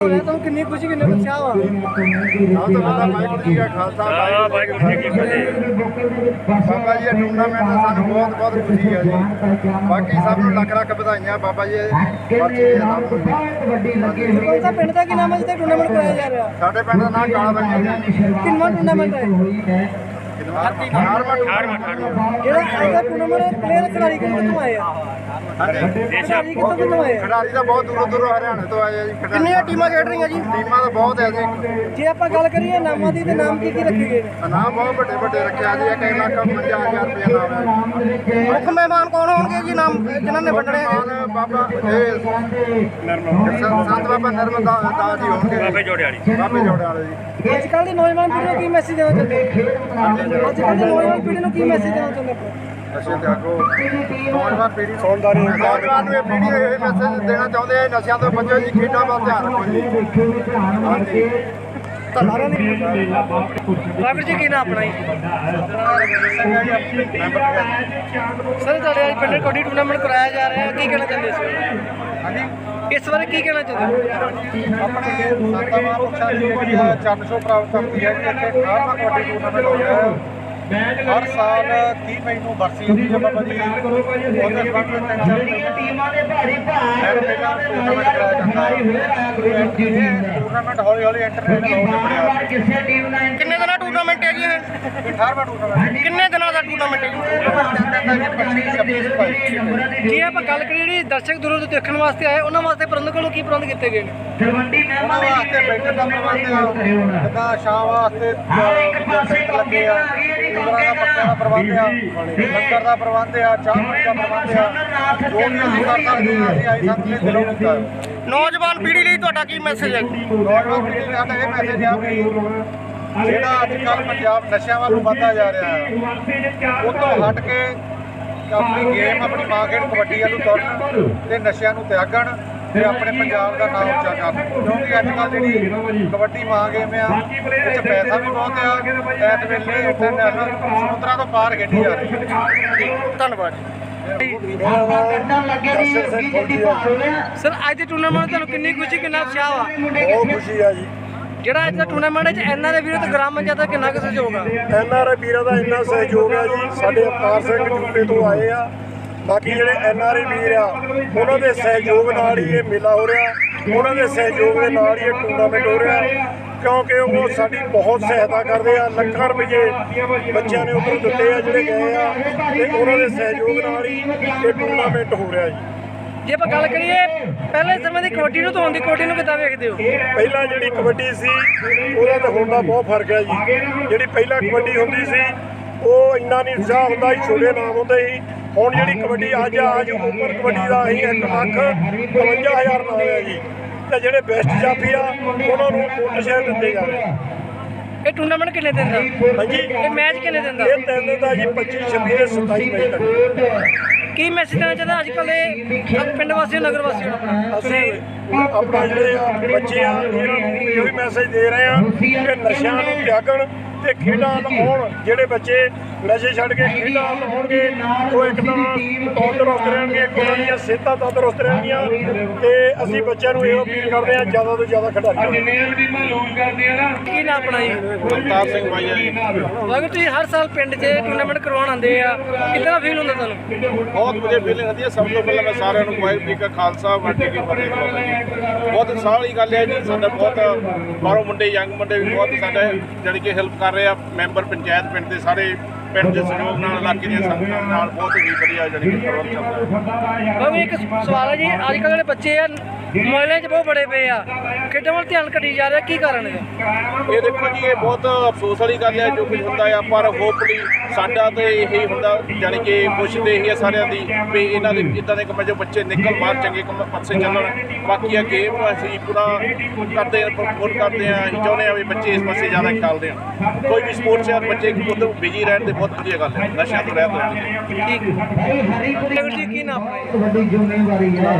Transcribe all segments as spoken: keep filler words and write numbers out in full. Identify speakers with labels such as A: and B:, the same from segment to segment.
A: तो कितनी खुशी कितने उत्साह हुआ
B: तो पता वाहिगुरू जी का खालसा वाहिगुरू जी की फतेह। बाबा जी टूर्नामेंट ਦਾ ਸਾਨੂੰ ਬਹੁਤ ਬਹੁਤ ਖੁਸ਼ੀ ਹੈ ਜੀ। ਬਾਕੀ ਸਭ ਨੂੰ ਲੱਖ ਲੱਖ ਵਧਾਈਆਂ ਬਾਬਾ ਜੀ ਬਖਸ਼ੀ ਜੀ ਸਭ ਨੂੰ।
A: कौन सा पिंड का की नाम है जिसे टूर्नामेंट कराया जा रहा है?
B: ਸਾਡੇ ਪਿੰਡ ਦਾ ਨਾਮ ਕਾਲਾ ਬੰਗਾ ਜੀ।
A: किनवा टूर्नामेंट है ਜਿਹੜਾ ਇਹਦਾ ਟੂਰਨਾਮੈਂਟ ਪਲੇਅਰ ਖਿਡਾਰੀ ਕਿੱਥੋਂ ਆਏ ਆ? ਖਿਡਾਰੀ ਕਿੱਥੋਂ ਕਿੱਥੋਂ ਆਏ ਆ?
B: ਖਿਡਾਰੀ ਤਾਂ ਬਹੁਤ ਦੂਰੋਂ ਦੂਰੋਂ ਹਰਿਆਣੇ ਤੋਂ ਆਏ ਆ ਜੀ। ਖਿਡਾਰੀ
A: ਕਿੰਨੀਆਂ ਟੀਮਾਂ ਖੇਡ ਰਹੀਆਂ ਜੀ?
B: ਟੀਮਾਂ ਤਾਂ ਬਹੁਤ ਹੈ ਜੀ।
A: ਜੇ ਆਪਾਂ ਗੱਲ ਕਰੀਏ ਨਾਮਾਂ ਦੀ ਤੇ ਨਾਮ ਕੀ ਕੀ ਰੱਖੇ ਗਏ ਨੇ?
B: ਨਾਮ ਬਹੁਤ ਵੱਡੇ ਵੱਡੇ ਰੱਖਿਆ ਜੀ। ਇੱਕ ਲੱਖ ਪੰਜਾਹ ਹਜ਼ਾਰ ਰੁਪਏ ਨਾਮ ਹੈ।
A: ਮੁੱਖ ਮਹਿਮਾਨ ਕੌਣ ਹੋਣਗੇ ਜੀ ਨਾਮ ਜਿਨ੍ਹਾਂ ਨੇ ਵੰਡਣੇ ਹੈਗੇ?
B: ਮਾਨ ਬਾਬਾ ਇਹ ਸੰਤ ਬਾਬਾ ਨਰਮਦਾ ਦਾਸ ਜੀ ਹੋਣਗੇ। ਬਾਬੇ ਜੋੜੇ ਵਾਲੀ ਬਾਬੇ ਜੋੜੇ ਵਾਲੇ ਜੀ।
A: ਅੱਜ ਕੱਲ੍ਹ ਦੀ ਨੌਜਵਾਨ ਪੀੜ੍ਹੀ ਨੂੰ ਕੀ ਮੈਸੇਜ ਦੇਣਾ ਚਾਹੁੰਦੇ ਹੋ? ਅੱਜ ਕੱਲ੍ਹ ਦੀ ਨੌਜਵਾਨ ਪੀੜ੍ਹੀ ਨੂੰ ਕੀ ਮੈਸੇਜ ਦੇਣਾ ਚਾਹੁੰਦੇ ਹੋ?
B: ਨਸ਼ੇ ਤਿਆਗੋ। ਨੌਜਵਾਨ ਪੀੜ੍ਹੀ ਸੌਂਦਾਰੀ ਨੌਜਵਾਨ ਨੂੰ ਇਹ ਪੀੜ੍ਹੀ ਇਹ ਮੈਸੇਜ ਦੇਣਾ ਚਾਹੁੰਦੇ ਆ ਨਸ਼ਿਆਂ ਤੋਂ ਬਚੋ ਜੀ, ਖੇਡਾਂ ਵੱਲ ਧਿਆਨ ਰੱਖੋ ਜੀ। ਹਾਂਜੀ
A: ਵਾਹਿਗੁਰੂ ਜੀ ਕੀ ਨਾਮ ਆਪਣਾ ਜੀ? ਸਰ ਤੁਹਾਡੇ ਅੱਜ ਪਿੰਡ ਕਬੱਡੀ ਟੂਰਨਾਮੈਂਟ ਕਰਾਇਆ ਜਾ ਰਿਹਾ ਹੈ, ਕੀ ਕਹਿਣਾ ਚਾਹੁੰਦੇ ਸੀ?
B: ਹਾਂਜੀ
A: ਇਸ ਬਾਰੇ ਕੀ ਕਹਿਣਾ ਚਾਹੁੰਦੇ ਹੋ?
B: ਆਪਣੇ ਸੰਤਾਂ ਮਹਾਂਪੁਰਸ਼ਾਂ ਦੀ ਜਿਹੜੀ ਆ ਚਰਨ ਛੋਹ ਪ੍ਰਾਪਤ ਕਰਦੀ ਹੈ ਕਿ ਇੱਥੇ ਅਠਾਰਵਾਂ ਕਬੱਡੀ ਟੂਰਨਾਮੈਂਟ ਹੋ ਰਿਹਾ ਹੈ। ਹਰ ਸਾਲ ਤੀਹ ਮਈ ਨੂੰ ਬਰਸੀ ਹੁੰਦੀ ਹੈ ਬਾਬਾ ਜੀ ਉਹਦੇ ਸੰਬੰਧ ਵਿੱਚ ਤਿੰਨ ਟੀਮਾਂ ਦੇ ਭਾਰੀ ਭਾਰ ਟੂਰਨਾਮੈਂਟ ਕਰਾਇਆ ਜਾਂਦਾ ਹੈ। ਟੂਰਨਾਮੈਂਟ ਹੌਲੀ ਹੌਲੀ ਇੰਟਰਨੈਸ਼ਨਲ ਹੋ ਰਿਹਾ।
A: ਕਿਸੇ ਟੀਮ ਦਾ ਕਿੰਨੇ ਦਿਨਾਂ ਟੂਰਨਾਮੈਂਟ ਹੈ ਜੀ ਇਹ?
B: ਅਠਾਰਵਾਂ ਟੂਰਨਾਮੈਂਟ
A: ਕਿੰਨੇ ਦਿਨਾਂ ਦਾ ਟੂਰਨਾਮੈਂਟ ਹੈ ਜੀ? ਜੇ ਆਪਾਂ ਗੱਲ ਕਰੀਏ ਜਿਹੜੀ ਦਰਸ਼ਕ ਦੂਰੋਂ ਤੋਂ ਦੇਖਣ ਵਾਸਤੇ ਆਏ ਉਹਨਾਂ ਵਾਸਤੇ ਪ੍ਰਬੰਧਕ ਵੱਲੋਂ ਕੀ ਪ੍ਰਬੰਧ ਕੀਤੇ ਗਏ ਨੇ?
B: ਉਹਨਾਂ ਵਾਸਤੇ ਬੈਠਣ ਦਾ ਪ੍ਰਬੰਧ ਆ, ਜਿੱਦਾਂ ਸ਼ਾਮ ਵਾਸਤੇ ਜਨਰੇਟਰ ਲੱਗੇ ਆ, ਕੂਲਰਾਂ ਦਾ ਪੱਖਿਆਂ ਦਾ ਪ੍ਰਬੰਧ ਆ, ਲੰਗਰ ਦਾ ਪ੍ਰਬੰਧ ਆ, ਚਾਹ ਪਾਣੀ ਦਾ ਪ੍ਰਬੰਧ ਆ। ਜੋ ਵੀ ਅਸੀਂ ਕਰ ਸਕਦੇ ਹਾਂ ਅਸੀਂ ਆਈ ਸੰਤ ਲਈ ਦਿਲੋਂ ਕੀਤਾ।
A: ਨੌਜਵਾਨ ਪੀੜ੍ਹੀ ਲਈ ਤੁਹਾਡਾ ਕੀ ਮੈਸੇਜ ਹੈ?
B: ਨੌਜਵਾਨ ਪੀੜ੍ਹੀ ਨੂੰ ਸਾਡਾ ਇਹ ਮੈਸੇਜ ਆ ਵੀ ਜਿਹੜਾ ਅੱਜ ਕੱਲ੍ਹ ਪੰਜਾਬ ਨਸ਼ਿਆਂ ਵੱਲ ਨੂੰ ਵੱਧਦਾ ਜਾ ਰਿਹਾ ਹੈ, ਉਹ ਤੋਂ ਹਟ ਕੇ ਆਪਣੀ ਗੇਮ ਆਪਣੀ ਮਾਂ ਖੇਡ ਕਬੱਡੀ ਵੱਲ ਨੂੰ ਤੁਰਨ ਤੇ ਨਸ਼ਿਆਂ ਨੂੰ ਤਿਆਗਣ ਤੇ ਆਪਣੇ ਪੰਜਾਬ ਦਾ ਨਾਮ ਉੱਚਾ ਕਰਨ। ਕਿਉਂਕਿ ਅੱਜ ਕੱਲ੍ਹ ਜਿਹੜੀ ਕਬੱਡੀ ਮਾਂ ਗੇਮ ਆ ਇਹ 'ਚ ਪੈਸਾ ਵੀ ਬਹੁਤ ਆ। ਇਸ ਵੇਲੇ ਇੰਟਰਨੈਸ਼ਨਲ ਸਮੁੰਦਰਾਂ ਤੋਂ ਪਾਰ ਖੇਡੀ ਜਾ ਰਹੀ ਹੈ।
A: ਧੰਨਵਾਦ ਸਰ। ਅੱਜ ਦੇ ਟੂਰਨਾਮੈਂਟ ਤੁਹਾਨੂੰ ਕਿੰਨੀ ਖੁਸ਼ੀ ਕਿੰਨਾ ਉਤਸ਼ਾਹ ਆ?
B: ਬਹੁਤ ਖੁਸ਼ੀ ਆ ਜੀ।
A: ਜਿਹੜਾ ਅੱਜ ਦਾ ਟੂਰਨਾਮੈਂਟ ਹੈ ਐਨ ਆਰ ਆਈ ਵੀਰੋ ਤੇ ਗ੍ਰਾਮ ਪੰਚਾਇਤ ਦਾ ਕਿੰਨਾ ਕੁ ਸਹਿਯੋਗ ਆ?
C: ਐਨ ਆਰ ਆਈ ਵੀਰਾਂ ਦਾ ਇੰਨਾ ਸਹਿਯੋਗ ਆ ਜੀ। ਸਾਡੇ ਅਵਤਾਰ ਸਿੰਘ ਜੂਪੇ ਤੋਂ ਆਏ ਆ। ਬਾਕੀ ਜਿਹੜੇ ਐਨ ਆਰ ਆਈ ਵੀਰ ਆ ਉਹਨਾਂ ਦੇ ਸਹਿਯੋਗ ਨਾਲ ਹੀ ਇਹ ਮੇਲਾ ਹੋ ਰਿਹਾ। ਉਹਨਾਂ ਦੇ ਸਹਿਯੋਗ ਦੇ ਨਾਲ ਹੀ ਇਹ ਟੂਰਨਾਮੈਂਟ ਹੋ ਰਿਹਾ, ਕਿਉਂਕਿ ਉਹ ਸਾਡੀ ਬਹੁਤ ਸਹਾਇਤਾ ਕਰਦੇ ਆ। ਲੱਖਾਂ ਰੁਪਏ ਬੱਚਿਆਂ ਨੇ ਉੱਧਰ ਦਿੱਤੇ ਆ ਜਿਹੜੇ ਗਏ ਆ, ਤੇ ਉਹਨਾਂ ਦੇ ਸਹਿਯੋਗ ਨਾਲ ਹੀ ਇਹ ਟੂਰਨਾਮੈਂਟ ਹੋ ਰਿਹਾ ਜੀ।
A: ਜੇ ਆਪਾਂ ਗੱਲ ਕਰੀਏ ਪਹਿਲੇ ਸਮੇਂ ਦੀ ਕਬੱਡੀ ਨੂੰ ਤੋਂ ਹੁਣ ਦੀ ਕਬੱਡੀ ਨੂੰ ਕਿੱਦਾਂ ਵੇਖਦੇ ਹੋ?
C: ਪਹਿਲਾਂ ਜਿਹੜੀ ਕਬੱਡੀ ਸੀ ਉਹਦਾ ਤੇ ਹੁਣ ਦਾ ਬਹੁਤ ਫਰਕ ਹੈ ਜੀ। ਜਿਹੜੀ ਪਹਿਲਾਂ ਕਬੱਡੀ ਹੁੰਦੀ ਸੀ ਉਹ ਇੰਨਾ ਨਹੀਂ ਉਤਸ਼ਾਹ ਹੁੰਦਾ ਸੀ, ਛੋਟੇ ਨਾਮ ਹੁੰਦੇ ਸੀ। ਹੁਣ ਜਿਹੜੀ ਕਬੱਡੀ ਅੱਜ ਅੱਜ ਉਮਰ ਕਬੱਡੀ ਦਾ ਅਸੀਂ ਇੱਕ ਲੱਖ ਇਕਵੰਜਾ ਹਜ਼ਾਰ ਨਾਮ ਹੈ ਜੀ। ਤੇ ਜਿਹੜੇ ਬੈਸਟ ਜਾਫੀ ਆ ਉਹਨਾਂ ਨੂੰ ਮੁੱਲ ਸ਼ੇਅਰ ਦਿੱਤੇ ਜਾ ਰਹੇ।
A: ਇਹ ਟੂਰਨਾਮੈਂਟ ਕਿੰਨੇ ਦਿਨ ਦਾ?
C: ਹਾਂਜੀ
A: ਇਹ ਮੈਚ ਕਿੰਨੇ ਦਿਨ ਦਾ?
C: ਇਹ ਤਿੰਨ ਦਿਨ ਦਾ ਜੀ, ਪੱਚੀ ਛੱਬੀ ਤੇ ਸਤਾਈ ਮਈ ਤੱਕ।
A: ਕੀ ਮੈਸੇਜ ਦੇਣਾ ਚਾਹੁੰਦਾ ਅੱਜ ਕੱਲ੍ਹ ਇਹ ਪਿੰਡ ਵਾਸੀਆਂ ਨਗਰ ਵਾਸੀਆਂ ਨੂੰ?
C: ਅਸੀਂ ਆਪਣਾ ਜਿਹੜੇ ਆ ਬੱਚੇ ਆ ਇਹਨਾਂ ਨੂੰ ਇਹੋ ਹੀ ਮੈਸੇਜ ਦੇ ਰਹੇ ਆ ਕਿ ਨਸ਼ਿਆਂ ਨੂੰ ਤਿਆਗਣ ਤੇ ਖੇਡਾਂ ਲਾਉਣ। ਜਿਹੜੇ ਬੱਚੇ ਨਸ਼ੇ ਛੱਡ ਕੇ ਖੇਡਾਂ ਲਾਉਣਗੇ ਉਹ ਇੱਕ ਤਾਂ ਤੰਦਰੁਸਤ ਰਹਿਣਗੇ, ਉਹਨਾਂ ਦੀਆਂ ਸਿਹਤਾਂ ਤੰਦਰੁਸਤ ਰਹਿਣਗੀਆਂ। ਤੇ ਅਸੀਂ ਬੱਚਿਆਂ ਨੂੰ ਇਹੋ ਅਪੀਲ ਕਰਦੇ ਹਾਂ ਜ਼ਿਆਦਾ ਤੋਂ ਜ਼ਿਆਦਾ ਖਿਡਾਰੀ।
A: ਕੀ ਨਾਮ ਆਪਣਾ ਜੀ?
B: ਅਵਤਾਰ ਸਿੰਘ ਮਾਈਆ ਜੀ।
A: ਵਾਹਿਗੁਰੂ ਤੁਸੀਂ ਹਰ ਸਾਲ ਪਿੰਡ 'ਚ ਟੂਰਨਾਮੈਂਟ ਕਰਵਾਉਣ ਆਉਂਦੇ ਆ, ਕਿੱਦਾਂ ਫੀਲ ਹੁੰਦਾ ਤੁਹਾਨੂੰ?
B: ਬਹੁਤ ਵਧੀਆ ਫੀਲਿੰਗ ਹੁੰਦੀ ਹੈ। ਸਭ ਤੋਂ ਪਹਿਲਾਂ ਮੈਂ ਸਾਰਿਆਂ ਨੂੰ ਵਾਹਿਗੁਰੂ ਜੀ ਕਾ ਖਾਲਸਾ ਵਾਹਿਗੁਰੂ ਜੀ ਕੀ ਫਤਿਹ। ਬਹੁਤ ਉਤਸ਼ਾਹ ਵਾਲੀ ਗੱਲ ਹੈ ਜੀ। ਸਾਡਾ ਬਹੁਤ ਬਾਹਰੋਂ ਮੁੰਡੇ ਯੰਗ ਮੁੰਡੇ ਵੀ ਬਹੁਤ ਸਾਡੇ ਜਾਣੀ ਕਿ ਹੈਲਪ ਕਰ ਰਹੇ ਆ। ਮੈਂਬਰ ਪੰਚਾਇਤ ਪਿੰਡ ਦੇ ਸਾਰੇ ਪਿੰਡ ਦੇ ਸਹਿਯੋਗ ਨਾਲ, ਇਲਾਕੇ ਦੀਆਂ ਸੰਗਤਾਂ ਨਾਲ ਬਹੁਤ ਹੀ ਵਧੀਆ ਜਾਣੀ ਕਿ ਪ੍ਰਬੰਧ ਚੱਲਦਾ।
A: ਬਾਬੂ ਇੱਕ ਸਵਾਲ ਹੈ ਜੀ, ਅੱਜ ਕੱਲ੍ਹ ਜਿਹੜੇ ਬੱਚੇ ਆ ਮੋਬਾਈਲਾਂ 'ਚ ਬਹੁਤ ਬੜੇ ਪਏ ਆ, ਖੇਡਾਂ ਵੱਲ ਧਿਆਨ ਘਟੀ ਜਾ ਰਿਹਾ, ਕੀ ਕਾਰਨ ਹੈ?
B: ਇਹ ਦੇਖੋ ਜੀ ਇਹ ਬਹੁਤ ਅਫਸੋਸ ਵਾਲੀ ਗੱਲ ਹੈ ਜੋ ਕੁਝ ਹੁੰਦਾ ਆ, ਪਰ ਹੋਪਫੁਲੀ ਸਾਡਾ ਤਾਂ ਇਹੀ ਹੁੰਦਾ ਜਾਣੀ ਕਿ ਪੁੱਛਦੇ ਹੀ ਆ ਸਾਰਿਆਂ ਦੀ ਵੀ ਇਹਨਾਂ ਦੇ ਇੱਦਾਂ ਦੇ ਕੰਮਾਂ 'ਚੋਂ ਬੱਚੇ ਨਿਕਲ ਬਾਹਰ ਚੰਗੇ ਕੰਮ ਪਾਸੇ ਚੱਲਣ। ਬਾਕੀ ਆ ਗੇਮ ਅਸੀਂ ਪੂਰਾ ਕਰਦੇ ਹਾਂ, ਪ੍ਰਮੋਟ ਕਰਦੇ ਹਾਂ। ਅਸੀਂ ਚਾਹੁੰਦੇ ਹਾਂ ਵੀ ਬੱਚੇ ਇਸ ਪਾਸੇ ਜ਼ਿਆਦਾ ਖਿਆਲ ਦੇਣ। ਕੋਈ ਵੀ ਸਪੋਰਟਸ ਆ ਬੱਚੇ ਉੱਧਰ ਬਿਜੀ ਰਹਿਣ ਤੇ ਬਹੁਤ ਵਧੀਆ ਗੱਲ ਹੈ, ਨਸ਼ਿਆਂ ਤੋਂ ਰਹਿਤ ਰਹਿਣਗੇ।
A: ਠੀਕ ਵਾਹਿਗੁਰੂ ਜੀ ਕੀ ਨਾਮ ਹੈ?
D: ਵੱਡੀ ਜ਼ਿੰਮੇਵਾਰੀ ਹੈ।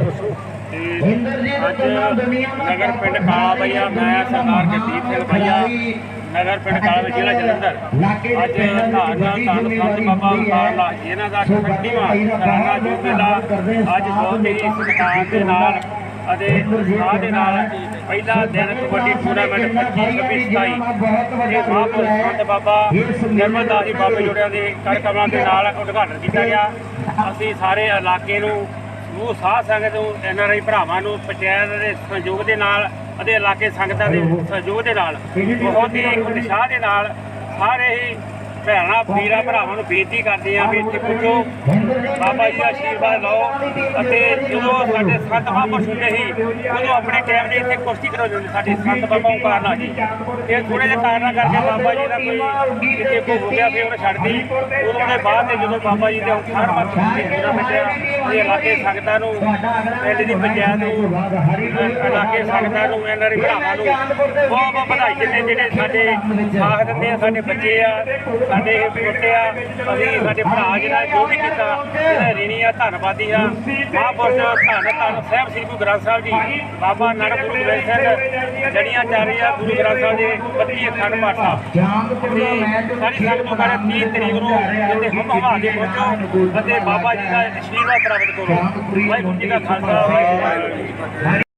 E: ਅੱਜ ਨਗਰ ਪਿੰਡ ਕਾਲਾ ਬਈਆ, ਮੈਂ ਸਰਦਾਰ ਜਗਦੀਪ ਸਿੰਘ ਬਈਆ, ਨਗਰ ਪਿੰਡ ਕਾਲਾ ਬਈਆ, ਜ਼ਿਲ੍ਹਾ ਜਲੰਧਰ। ਅੱਜ ਧੰਨ ਧੰਨ ਸੰਤ ਬਾਬਾ ਅਵਤਾਰ ਲਾ ਇਹਨਾਂ ਦਾ ਇਕੱਠੀਵਾਂ ਸਾਲਾਨਾ ਜੋ ਮੇਲਾ ਅੱਜ ਬਹੁਤ ਹੀ ਸਤਿਕਾਰ ਦੇ ਨਾਲ ਅਤੇ ਉਤਸ਼ਾਹ ਦੇ ਨਾਲ ਪਹਿਲਾ ਦਿਨ ਕਬੱਡੀ ਟੂਰਨਾਮੈਂਟ ਪੱਚੀ ਛੱਬੀ ਸਤਾਈ ਇਹ ਮਹਾਂਪੁਰਖ ਸੰਤ ਬਾਬਾ ਨਿਰਮਲ ਦਾਸ ਜੀ ਬਾਬੇ ਜੋੜਿਆਂ ਦੇ ਕਰ ਕਮਲਾਂ ਦੇ ਨਾਲ ਉਦਘਾਟਨ ਕੀਤਾ ਗਿਆ। ਅਸੀਂ ਸਾਰੇ ਇਲਾਕੇ ਨੂੰ ਸਮੂਹ ਸਾਧ ਸੰਗਤ ਨੂੰ ਐਨ ਆਰ ਆਈ ਭਰਾਵਾਂ ਨੂੰ ਪੰਚਾਇਤ ਦੇ ਸਹਿਯੋਗ ਦੇ ਨਾਲ ਅਤੇ ਇਲਾਕੇ ਸੰਗਤਾਂ ਦੇ ਸਹਿਯੋਗ ਦੇ ਨਾਲ ਬਹੁਤ ਹੀ ਉਤਸ਼ਾਹ ਦੇ ਨਾਲ ਸਾਰੇ ਹੀ ਭੈਣਾਂ ਵੀਰਾਂ ਭਰਾਵਾਂ ਨੂੰ ਬੇਨਤੀ ਕਰਦੇ ਆ ਵੀ ਇੱਥੇ ਪੁੱਜੋ, ਬਾਬਾ ਜੀ ਦਾ ਆਸ਼ੀਰਵਾਦ ਲਓ। ਅਤੇ ਜਦੋਂ ਸਾਡੇ ਸੰਤ ਮਹਾਂਪੁਰਖ ਹੁੰਦੇ ਸੀ ਉਦੋਂ ਆਪਣੇ ਟਾਈਮ ਦੇ ਇੱਥੇ ਕੁਸ਼ਤੀ ਕਰਾਉਂਦੇ ਹੁੰਦੇ ਸਾਡੇ ਸੰਤ ਬਾਬਾ ਓਂਕਾਰ ਨਾਥ ਜੀ। ਇਹ ਥੋੜ੍ਹੇ ਜਿਹੇ ਕਾਰਨਾਂ ਕਰਕੇ ਬਾਬਾ ਜੀ ਦਾ ਕੋਈ ਕਿਤੇ ਕੋ ਹੋ ਗਿਆ ਫਿਰ ਉਹਨੇ ਛੱਡਦੀ। ਉਦੋਂ ਦੇ ਬਾਅਦ ਤੇ ਜਦੋਂ ਬਾਬਾ ਜੀ ਦੇ ਹਰ ਵਾਰ ਟੂਰਨਾਮੈਂਟ ਇਹ ਇਲਾਕੇ ਸੰਗਤਾਂ ਨੂੰ ਪਿੰਡ ਦੀ ਪੰਚਾਇਤ ਨੂੰ ਇਲਾਕੇ ਸੰਗਤਾਂ ਨੂੰ ਐਨ ਆਰ ਆਈ ਭਰਾਵਾਂ ਨੂੰ ਬਹੁਤ ਬਹੁਤ ਵਧਾਈ ਦਿੰਦੇ ਜਿਹੜੇ ਸਾਡੇ ਸਾਥ ਦਿੰਦੇ ਆ, ਸਾਡੇ ਬੱਚੇ ਆ, ਸਾਡੇ ਬੇਟੇ ਆ। ਅਸੀਂ ਸਾਡੇ ਭਰਾ ਜਿਹੜਾ ਜੋ ਵੀ ਕੀਤਾ ਇਹਦਾ ਰਿਣੀ ਆ, ਧੰਨਵਾਦੀ ਆ। ਮਹਾਂਪੁਰਖ ਧੰਨ ਧੰਨ ਸਾਹਿਬ ਸ੍ਰੀ ਗੁਰੂ ਗ੍ਰੰਥ ਸਾਹਿਬ ਜੀ ਬਾਬਾ ਨਾਨਕ ਗੁਰੂ ਗੋਬਿੰਦ ਸਿੰਘ ਜੜੀਆਂ ਚੱਲ ਰਹੀਆਂ ਗੁਰੂ ਗ੍ਰੰਥ ਸਾਹਿਬ ਦੇ ਬੱਤੀ ਅਖੰਡ ਪਾਠ ਸਾਹਿਬ ਤੇ ਸਾਰੀ ਸੰਗਤ ਨੂੰ ਕਹਿੰਦੇ ਤੀਹ ਤਰੀਕ ਨੂੰ ਜਿੱਥੇ ਹਮ ਹਵਾ ਕੇ ਪਹੁੰਚੋ ਅਤੇ ਬਾਬਾ ਜੀ ਦਾ ਆਸ਼ੀਰਵਾਦ ਪ੍ਰਾਪਤ ਕਰੋ। ਵਾਹਿਗੁਰੂ ਜੀ ਦਾ ਖਾਲਸਾ ਵਾਹਿਗੁਰੂ ਜੀ ਕੀ ਫਤਿਹ।